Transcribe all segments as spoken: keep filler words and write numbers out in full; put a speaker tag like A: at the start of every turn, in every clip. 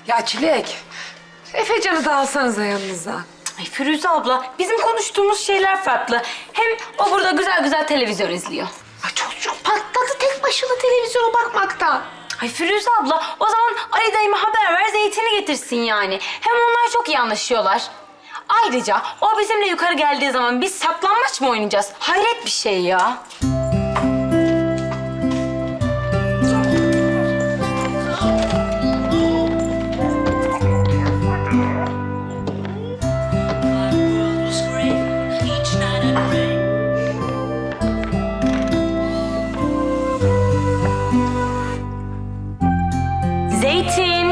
A: Ya Çilek, Efecan'ı da alsanıza yanınıza.
B: Ay Firuze abla, bizim konuştuğumuz şeyler farklı. Hem o burada güzel güzel televizyon izliyor.
A: Ay çocuk patladı tek başına televizyona bakmaktan.
B: Ay Firuze abla, o zaman Ali dayıma haber ver, Zeytin'i getirsin yani. Hem onlar çok iyi anlaşıyorlar. Ayrıca o bizimle yukarı geldiği zaman biz saklanmaç mı oynayacağız? Hayret bir şey ya. Zeytin.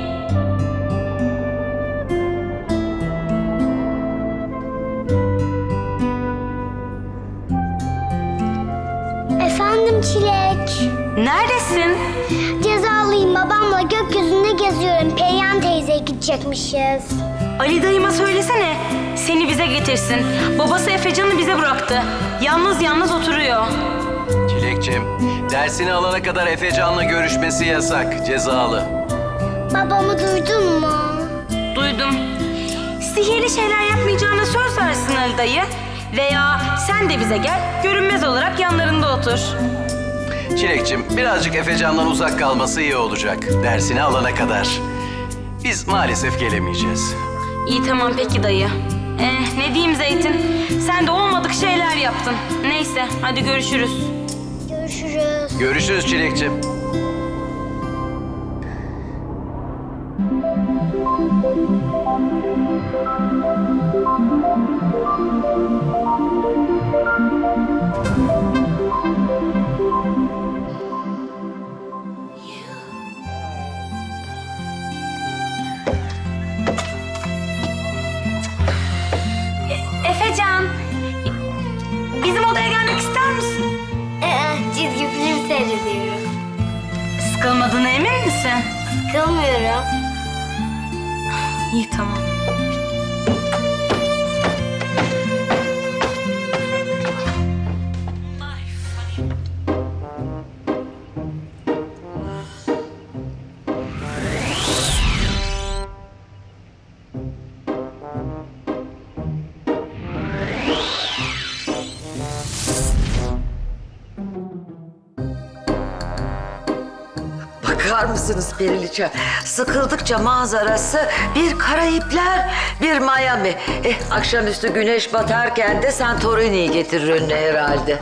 C: Efendim Çilek.
B: Neredesin?
C: Cezalıyım, babamla gökyüzünde geziyorum. Perihan teyzeye gidecekmişiz.
B: Ali dayıma söylesene. Seni bize getirsin. Babası Efecan'ı bize bıraktı. Yalnız yalnız oturuyor.
D: Çilekçim, dersini alana kadar Efecan'la görüşmesi yasak, cezalı.
C: Babamı duydun mu?
B: Duydum. Sihirli şeyler yapmayacağına söz versin Ali dayı. Veya sen de bize gel, görünmez olarak yanlarında otur.
D: Çilekçim, birazcık Efecan'dan uzak kalması iyi olacak, dersini alana kadar. Biz maalesef gelemeyeceğiz.
B: İyi tamam peki dayı. Eh ne diyeyim Zeytin, sen de olmadık şeyler yaptın. Neyse hadi görüşürüz.
C: Görüşürüz.
D: Görüşürüz Çilekçim.
B: Efecan, bizim odaya gelmek ister misin?
C: Ee, çizgi film seyrediyorum.
B: Sıkılmadığına emin misin?
C: Sıkılmıyorum.
B: İyi tamam.
E: Bakar mısınız Periliçe? Sıkıldıkça manzarası bir Karayipler, bir Miami. Eh, akşamüstü güneş batarken de Santorini'yi getirir önüne herhalde.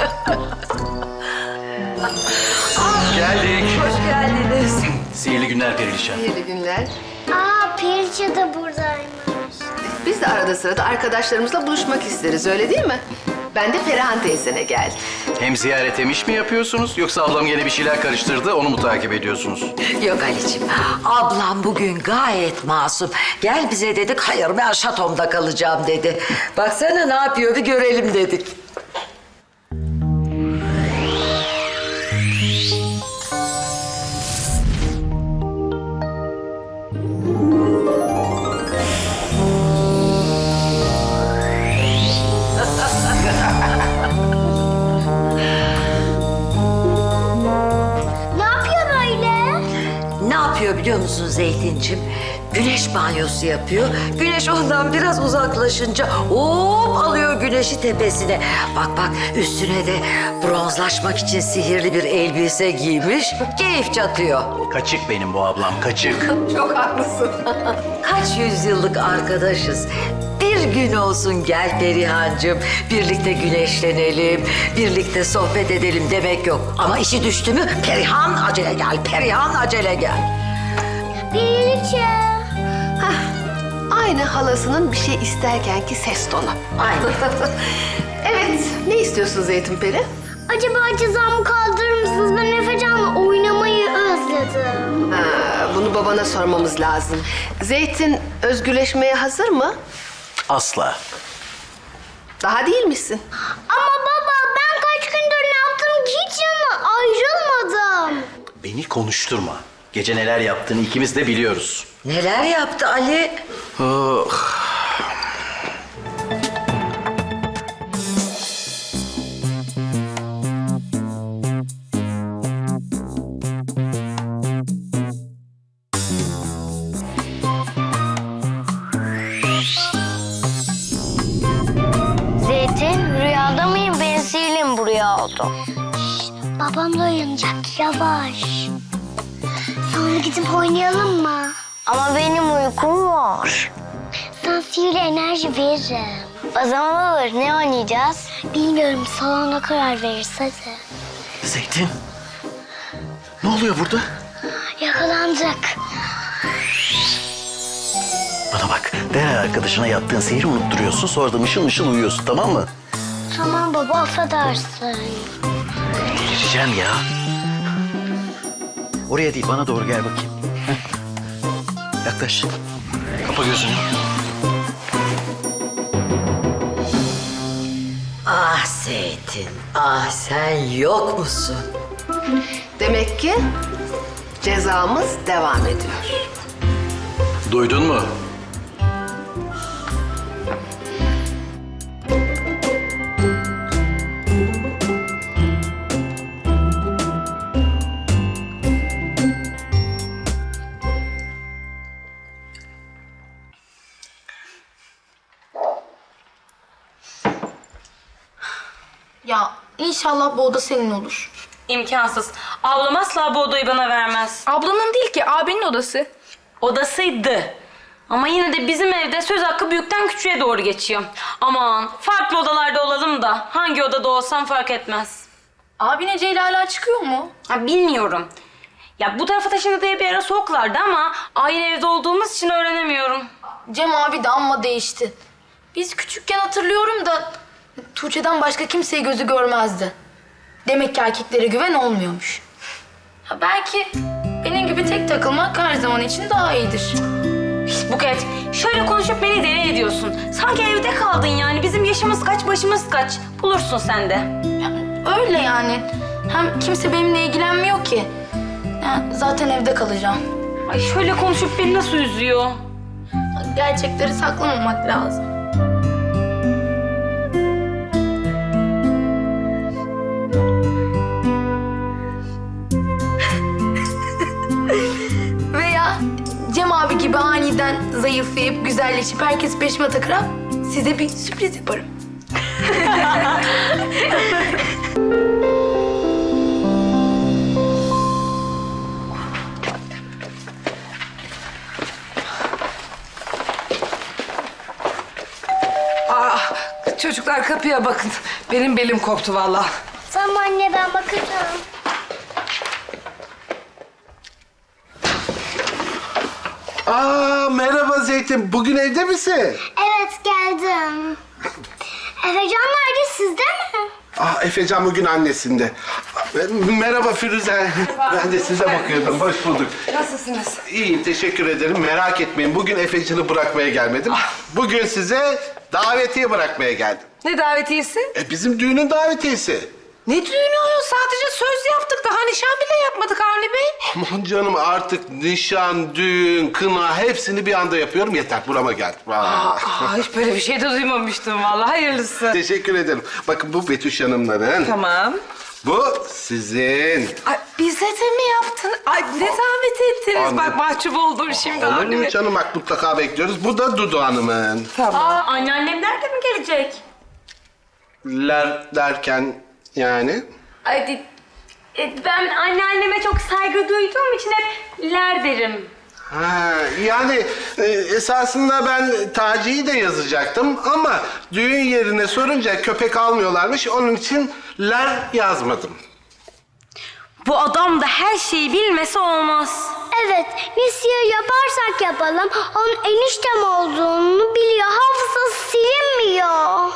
D: Geldik.
E: Hoş geldiniz.
D: Sihirli günler Perişan.
A: İyi günler.
C: Aa, Perica da buradaymış.
A: Biz de arada sırada arkadaşlarımızla buluşmak isteriz, öyle değil mi? Ben de Perihan teyzene geldim.
D: Hem ziyaret emiş mi yapıyorsunuz, yoksa ablam gene bir şeyler karıştırdı, onu mu takip ediyorsunuz?
E: Yok Ali'ciğim, ablam bugün gayet masum. Gel bize dedik, hayır ben şatomda kalacağım dedi. Baksana ne yapıyor bir görelim dedik.
C: Ne yapıyor böyle?
E: Ne yapıyor biliyor musun Zeytincim? Güneş banyosu yapıyor. Güneş ondan biraz uzaklaşınca hop alıyor güneşi tepesine. Bak bak üstüne de bronzlaşmak için sihirli bir elbise giymiş. Keyif çatıyor.
D: Kaçık benim bu ablam, kaçık.
A: Çok haklısın.
E: Kaç yüzyıllık arkadaşız. Bir gün olsun gel Perihancığım. Birlikte güneşlenelim, birlikte sohbet edelim demek yok. Ama işi düştü mü Perihan acele gel, Perihan acele gel.
C: Perica.
A: Aynı halasının bir şey isterken ki ses tonu.
E: Aynen.
A: Evet, ne istiyorsun Zeytin Peri?
C: Acaba cezamı kaldırır mısınız? Ben Efecan'la oynamayı özledim.
A: Ha, bunu babana sormamız lazım. Zeytin özgürleşmeye hazır mı?
D: Asla.
A: Daha değil misin?
C: Ama baba ben kaç gündür ne yaptım ki hiç yanına ayrılmadım.
D: Beni konuşturma. Gece neler yaptığını ikimiz de biliyoruz.
E: Neler yaptı Ali?
D: Oh.
C: oldu. Şşt, babam da uyanacak. Yavaş. Sonra gidip oynayalım mı? Ama benim uykum var. Sana sihirli enerji veririm. O zaman olur. Ne oynayacağız? Bilmiyorum. Salona karar veririz hadi.
D: Zeytin. Ne oluyor burada?
C: Yakalandık.
D: Bana bak, derhal arkadaşına yaptığın sihri unutturuyorsun. Sonra da mışıl mışıl uyuyorsun, tamam mı?
C: Tamam baba affedersin.
D: Delireceğim ya. Oraya değil, bana doğru gel bakayım. Heh. Yaklaş. Kapa gözünü.
E: Ah Zeytin, ah sen yok musun?
A: Demek ki cezamız devam ediyor.
D: Duydun mu?
F: Ya inşallah bu oda senin olur.
B: İmkansız. Ablam asla bu odayı bana vermez.
F: Ablanın değil ki abinin odası.
B: Odasıydı. Ama yine de bizim evde söz hakkı büyükten küçüğe doğru geçiyor. Aman farklı odalarda olalım da hangi odada olsam fark etmez.
F: Abine Ceyla hala çıkıyor mu?
B: Ha, bilmiyorum. Ya bu tarafa taşındı diye bir ara soğuklardı ama aynı evde olduğumuz için öğrenemiyorum.
F: Cem abi de amma değişti. Biz küçükken hatırlıyorum da Tuğçe'den başka kimseyi gözü görmezdi. Demek ki erkeklere güven olmuyormuş. Ha, belki benim gibi tek takılmak her zaman için daha iyidir.
B: Buket, şöyle konuşup beni deli ediyorsun. Sanki evde kaldın yani. Bizim yaşımız kaç, başımız kaç. Bulursun sen de.
F: Ya, öyle yani. Hem kimse benimle ilgilenmiyor ki. Ya, zaten evde kalacağım.
B: Ay şöyle konuşup beni nasıl üzüyor.
F: Gerçekleri saklamamak lazım. Veya Cem abi gibi aniden zayıflayıp güzelleşip herkes peşime takıp size bir sürpriz yaparım.
G: Ah, çocuklar kapıya bakın. Benim belim koptu vallahi.
C: Tamam anne ben bakacağım.
H: Aa, merhaba Zeytin. Bugün evde misin?
C: Evet geldim. Efecan nerede sizde mi?
H: Ah, Efecan bugün annesinde. Merhaba Firuze. Ben de size bakıyordum. Hoş bulduk.
G: Nasılsınız?
H: İyiyim, teşekkür ederim. Merak etmeyin. Bugün Efecan'ı bırakmaya gelmedim. Bugün size davetiye bırakmaya geldim.
G: Ne davetiyesi?
H: E, bizim düğünün davetiyesi.
G: Ne düğünü o? Sadece söz yaptık. Daha nişan bile yapmadık Avni Bey.
H: Aman canım artık nişan, düğün, kına hepsini bir anda yapıyorum. Yeter, burama geldim. Aa.
G: Aa, hiç böyle bir şey de duymamıştım vallahi. Hayırlısı.
H: Teşekkür ederim. Bakın bu Betüş Hanımların.
G: Tamam.
H: Bu sizin.
G: Ay, bize de mi yaptın? Ay ne zahmet ettiniz.
H: Anne.
G: Bak mahcup oldum şimdi
H: Olur
G: Avni
H: mu
G: Bey.
H: canım? Bak mutlaka bekliyoruz. Bu da Dudu Hanım'ın.
G: Tamam.
B: Aa, anneannem nerede mi gelecek?
H: Ler derken yani?
B: Ay, e, ben anneanneme çok saygı duyduğum için hep ler derim.
H: Ha, yani e, esasında ben Taci'yi de yazacaktım ama düğün yerine sorunca köpek almıyorlarmış. Onun için ler yazmadım.
B: Bu adam da her şeyi bilmesi olmaz.
C: Evet ne sihir yaparsak yapalım onun eniştem olduğunu biliyor. Hafızası silinmiyor.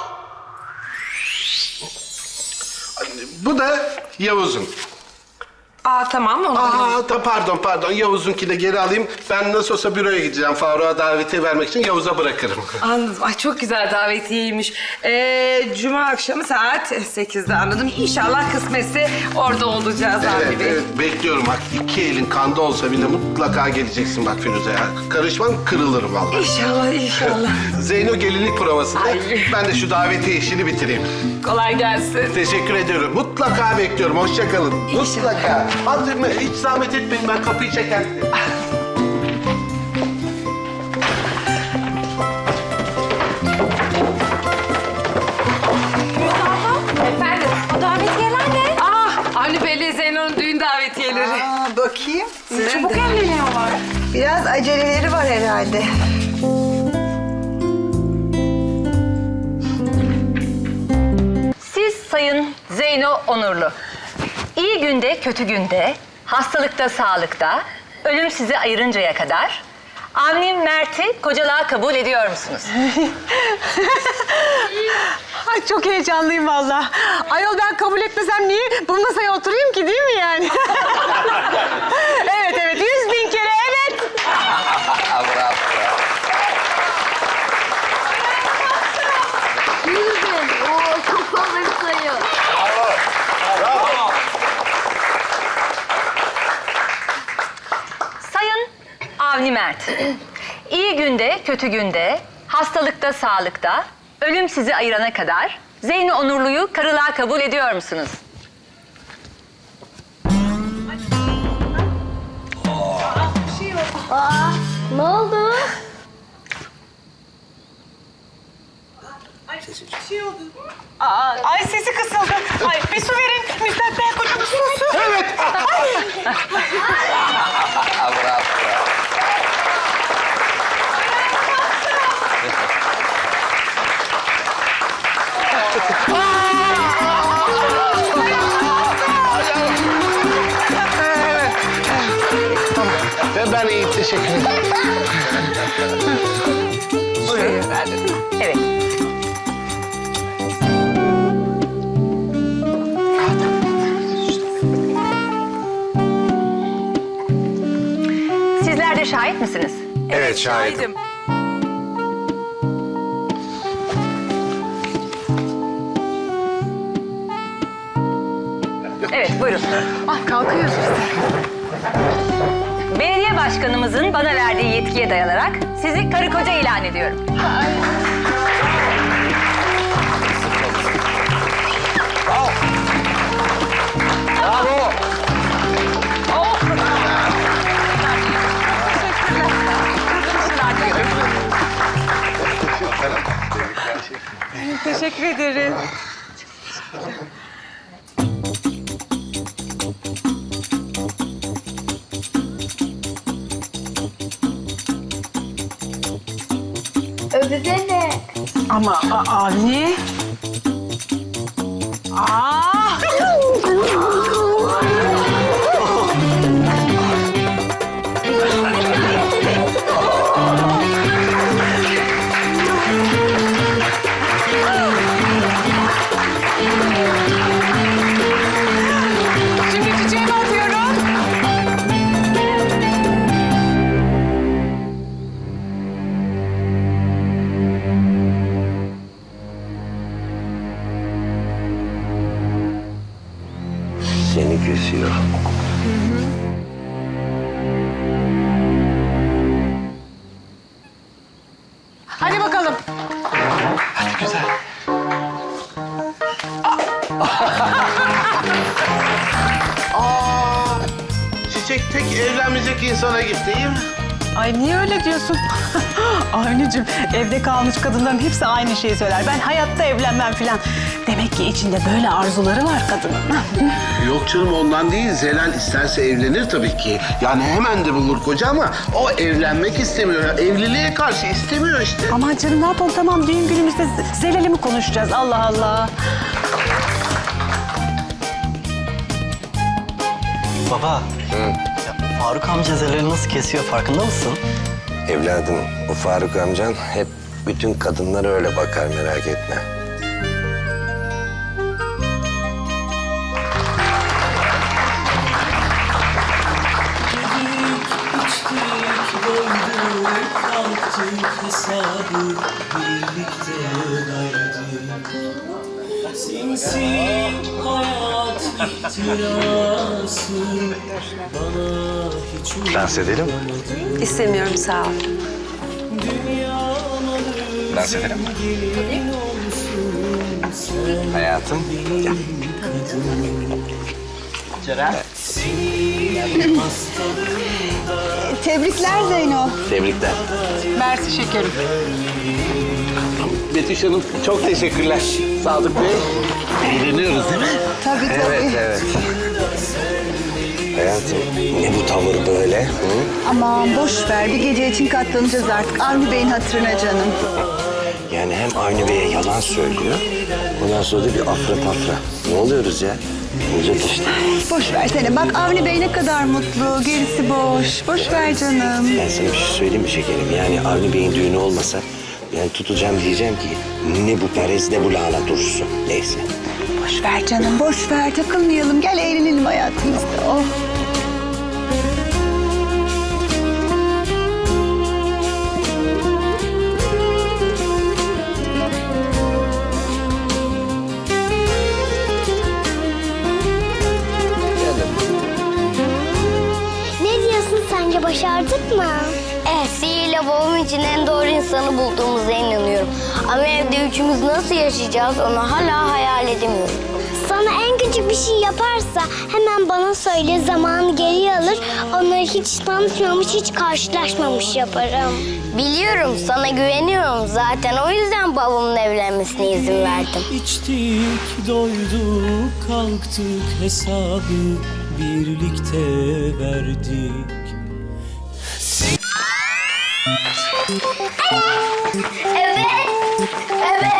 H: Bu da Yavuz'un.
G: Aa tamam onu.
H: Aa, da pardon pardon Yavuz'unki de geri alayım. Ben nasıl olsa büroya gideceğim. Faruk'a davetiye vermek için Yavuz'a bırakırım.
G: Anladım. Ay çok güzel davetiyeymiş. Ee, Cuma akşamı saat sekizde anladım. İnşallah kısmetse orada olacağız
H: Evet,
G: Avni Bey.
H: evet bekliyorum. Bak iki elin kanda olsa bile mutlaka geleceksin bak Firuze ya. Karışmam kırılırım vallahi.
G: İnşallah inşallah.
H: Zeyno gelinlik provasında.
G: Ay.
H: Ben de şu davetiye işini bitireyim.
G: Kolay gelsin.
H: Teşekkür ediyorum. Mutlaka bekliyorum. Hoşça kalın. Mutlaka. Hadi hiç zahmet etmeyin. Ben kapıyı çekerim.
B: Efendim, o davetiyeler
G: Avni Bey'le Zeyno'nun düğün davetiyeleri.
I: Aa, bakayım.
G: Çabuk evleniyorlar.
I: Biraz aceleleri var herhalde.
J: Siz Sayın Zeyno Onurlu, iyi günde kötü günde, hastalıkta sağlıkta, ölüm sizi ayırıncaya kadar Avni Mert'i kocalığa kabul ediyor musunuz?
K: Ay çok heyecanlıyım valla. Ayol ben kabul etmesem niye bu masaya oturayım ki değil mi yani? Evet evet yüz bin kere evet.
D: Bravo.
C: Oo, çok fazla bir sayı.
J: Sayın Avni Mert, iyi günde kötü günde, hastalıkta sağlıkta, ölüm sizi ayırana kadar Zeyno Onurlu'yu karılığa kabul ediyor musunuz?
C: Aa, ne oldu?
K: Aa, ay sesi kısıldı. Ay bir su verin. Müstakbel kocamız su su.
H: Evet.
D: Bravo.
H: Ve ben iyi, teşekkür ederim.
J: Evet. Sizler de şahit misiniz?
H: Evet, şahidim.
J: Evet, buyurun.
K: Ay kalkıyoruz işte.
J: Belediye başkanımızın bana verdiği yetkiye dayanarak sizi karı koca ilan ediyorum.
H: Bravo.
K: Teşekkür ederim.
C: Öpsene.
K: Ama a- Avni. Aa! Şimdi çiçeğimi atıyorum.
H: Seni kesiyor.
K: Hadi bakalım.
H: Hadi güzel. Aa, çiçek tek evlenmeyecek insana gitti değil mi?
K: Ay niye öyle diyorsun? Avnicim evde kalmış kadınların hepsi aynı şeyi söyler. Ben hayatta evlenmem filan. Demek ki içinde böyle arzuları var kadının.
H: Yok canım, ondan değil. Zelal isterse evlenir tabii ki. Yani hemen de bulur koca ama o evlenmek istemiyor. Evliliğe karşı istemiyor işte.
K: Aman canım ne yapalım tamam düğün günümüzde Zelal'i mi konuşacağız Allah Allah.
L: Baba, ya Faruk amca Zelal'i nasıl kesiyor farkında mısın?
M: Evladım, bu Faruk amcan hep bütün kadınlara öyle bakar, merak etme.
N: Sinsi hayat ihtirası bana hiç
M: Dans edelim mi?
K: İstemiyorum sağ ol.
M: Dans edelim mi? Hayatım, gel.
L: Ceren.
K: Tebrikler Zeyno.
M: Tebrikler.
K: Mersi şekerim.
H: Betüş Hanım çok teşekkürler. Sadık Bey. Eğleniyoruz değil mi?
K: Tabii tabii.
M: Evet, evet. hayatım? Ne bu tavır böyle? Hı?
I: Aman boş ver. Bir gece için katlanacağız artık. Avni Bey'in hatırına canım.
M: Yani hem Avni Bey'e yalan söylüyor, ondan sonra da bir afra tafra. Ne oluyoruz ya? Olacak işte.
I: Boş versene. Bak Avni Bey ne kadar mutlu. Gerisi boş. Boş ver canım.
M: Ben sana bir şey söyleyeyim mi şekerim? Yani Avni Bey'in düğünü olmasa ben tutacağım diyeceğim ki ne bu Perez ne bu lahana turşusu. Neyse.
I: Boş ver canım. Boş ver. Takılmayalım. Gel eğlenelim hayatımızda. Oh.
C: Ne diyorsun, sence başardık mı? Evet, sihirle babam için en doğru insanı bulduğumuza inanıyorum. Ama evde üçümüz nasıl yaşayacağız onu hala hayal edemiyorum. Sana en küçük bir şey yaparsa hemen bana söyle, zamanı geri alır. Onları hiç tanışmamış, hiç karşılaşmamış yaparım. Biliyorum, sana güveniyorum zaten. O yüzden babamın evlenmesine izin verdim.
N: İçtik, doyduk, kalktık, hesabı birlikte verdik.
C: Evet. Evet.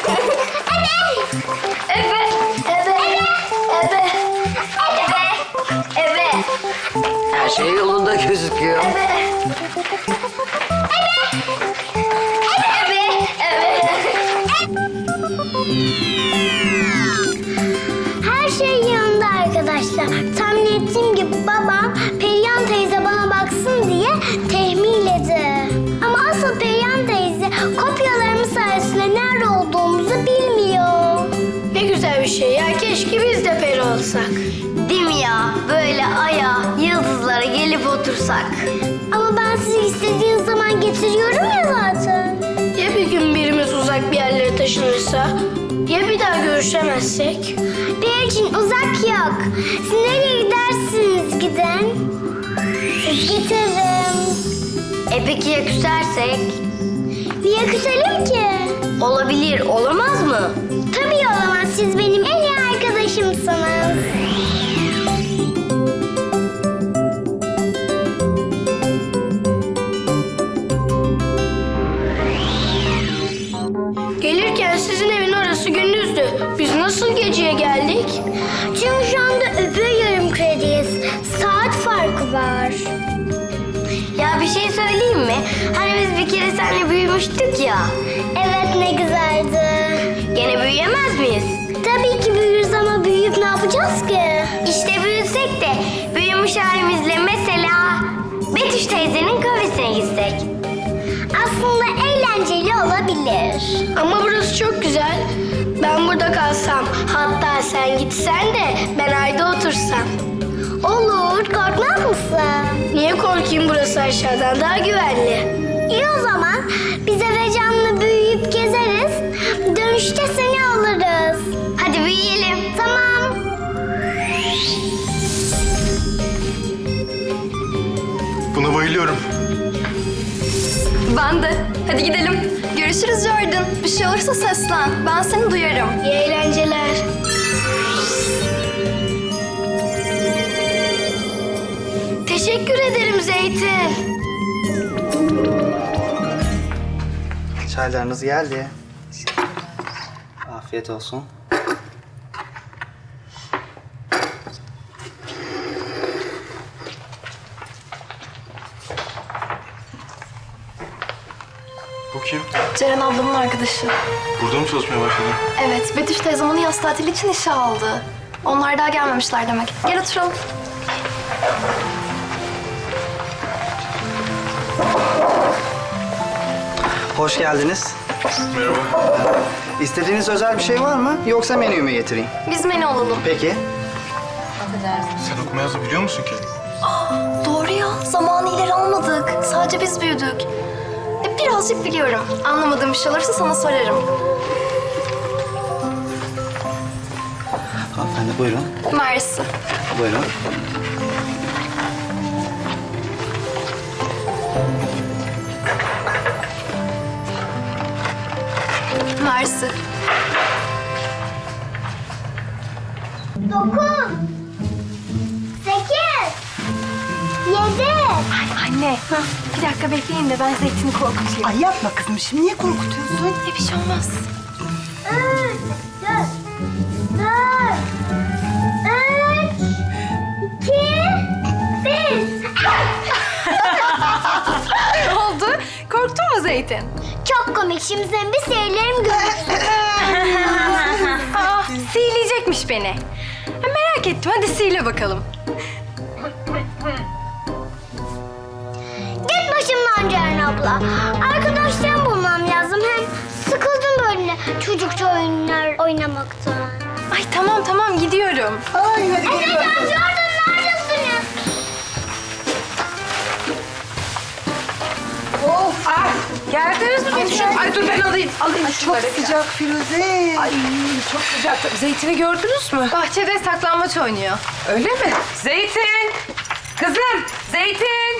C: Evet. Evet. Evet. Evet. Evet. Evet.
E: Her şey yolunda gözüküyor.
C: Evet. Evet. Evet. Her şey yanında arkadaşlar. Tahmin ettiğim gibi babam Perihan teyze bana baksın diye tehmiyledi. Ama asıl Perihan teyze kopyalarımız sayesinde nerede olduğumuzu bilmiyor.
F: Ne güzel bir şey ya. Keşke biz de peri olsak.
C: Değil mi ya? Böyle aya, yıldızlara gelip otursak. Ama ben sizi istediğiniz zaman getiriyorum ya zaten.
F: Ya bir gün birimiz uzak bir yerlere taşınırsa? Ya bir daha görüşemezsek?
C: Benim için uzak yok. Siz nereye gidersiniz gidin? Siz getiririm. E peki ya küsersek? Niye küselim ki? Olabilir, olamaz mı? Tabii olamaz. Siz benim en iyi arkadaşımsınız.
F: Gelirken sizin evin orası gündüzdü. Biz nasıl geceye geldik?
C: Çünkü şu anda öbür yarım krediyiz. Saat farkı var. Ya bir şey söyleyeyim mi? Hani biz bir kere seninle büyümüştük ya. Evet, ne güzeldi. Gene büyüyemez miyiz? Tabii ki büyürüz ama büyüyüp ne yapacağız ki? İşte büyüsek de büyümüş halimizle mesela Betüş teyzenin kafesine gitsek. Aslında eğlenceli olabilir.
F: Ama burası çok güzel. Ben burada kalsam, hatta sen gitsen de ben ayda otursam.
C: Olur, korkmaz mısın?
F: Niye korkayım, burası aşağıdan daha güvenli.
C: İyi o zaman. Biz Efecan'la büyüyüp gezeriz. Dönüşte seni alırız. Hadi büyüyelim. Tamam.
O: Buna bayılıyorum.
P: Ben de. Hadi gidelim. Görüşürüz Jordan. Bir şey olursa seslen. Ben seni duyarım.
F: İyi eğlenceler. Teşekkür ederim Zeytin.
L: Çaylarınız geldi. Afiyet olsun.
O: Bu kim?
P: Ceren ablamın arkadaşı.
O: Burada mı çalışmaya başladın?
P: Evet, Betüş teyzem onu yaz tatili için işe aldı. Onlar daha gelmemişler demek. Gel oturalım.
L: Hoş geldiniz.
O: Merhaba.
L: İstediğiniz özel bir şey var mı? Yoksa menüyü mü getireyim?
P: Biz menü alalım.
L: Peki.
O: Sen okuma yazma biliyor musun ki?
P: Doğru ya. Zamanı ileri almadık. Sadece biz büyüdük. E, birazcık biliyorum. Anlamadığım bir şey olursa sana sorarım.
L: Hanımefendi buyurun.
P: Mersi.
L: Buyurun.
P: Mersi.
C: Dokuz. Sekiz.
P: Anne, bir dakika bekleyin de ben Zeytin'i korkutayım.
I: Ay yapma kızım, şimdi niye korkutuyorsun?
P: E, bir şey olmaz. Ne oldu? Korktun mu Zeytin?
C: Çok komik. Şimdi senin bir seyirlerim görürsün.
P: Aa, sihirleyecekmiş beni. Ha, merak ettim. Hadi sihirle bakalım.
C: Git başımdan Ceren abla. Arkadaşlarımı bulmam lazım. Hem sıkıldım böyle çocukça oyunlar oynamaktan.
P: Ay tamam tamam gidiyorum.
I: Ay hadi
C: Efecan, Jordan neredesiniz?
G: Of! Ah, geldiniz mi? Betüş'üm? Ay dur ben alayım. Alayım
I: Çok
G: şunları.
I: sıcak Firuze.
G: Ay çok sıcak. Zeytin'i gördünüz mü?
P: Bahçede saklambaç oynuyor.
G: Öyle mi? Zeytin! Kızım! Zeytin!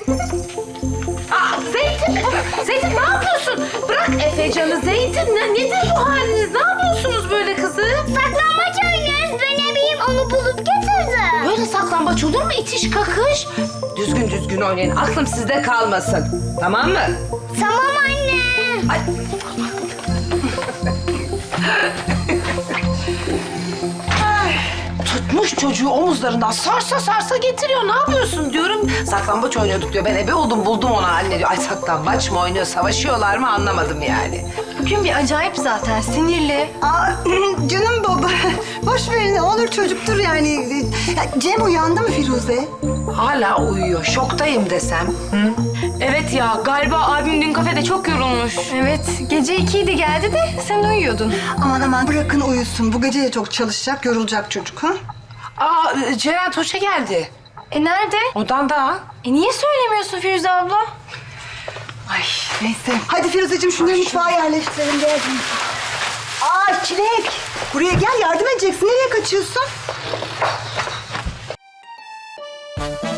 G: Aa, Zeytin! Zeytin ne yapıyorsun? Bırak Efecan'ı Zeytin. Ne, nedir bu haliniz? Ne yapıyorsunuz böyle kızım?
C: Saklambaç oynuyoruz. Ben ebeyim onu bulup getirdim.
G: Böyle saklambaç olur mu? İtiş kakış. Düzgün düzgün oynayın. Aklım sizde kalmasın. Tamam mı?
C: Tamam anne.
G: Ay. Ay, tutmuş çocuğu omuzlarından sarsa sarsa getiriyor. Ne yapıyorsun diyorum. Saklambaç oynuyorduk diyor. Ben ebe oldum buldum onu anne diyor. Ay saklambaç mı oynuyor? Savaşıyorlar mı anlamadım yani.
P: Bugün bir acayip zaten. Sinirli.
I: Aa, canım baba, boş verin, ne olur çocuktur yani. Ya, Cem uyandı mı Firuze?
G: Hala uyuyor. Şoktayım desem. Hı?
B: Evet ya galiba abim dün kafede çok yorulmuş.
P: Evet. Gece ikiydi geldi de sen uyuyordun.
I: Aman aman bırakın uyusun. Bu gece de çok çalışacak, yorulacak çocuk ha?
G: Aa Ceren Tuğçe geldi.
P: E nerede?
G: Odanda.
P: E niye söylemiyorsun Firuze abla?
I: Ay neyse. Hadi Firuzeciğim şunları mutfağa yerleştirelim. Gel. Aa Çilek. Buraya gel yardım edeceksin. Nereye kaçıyorsun?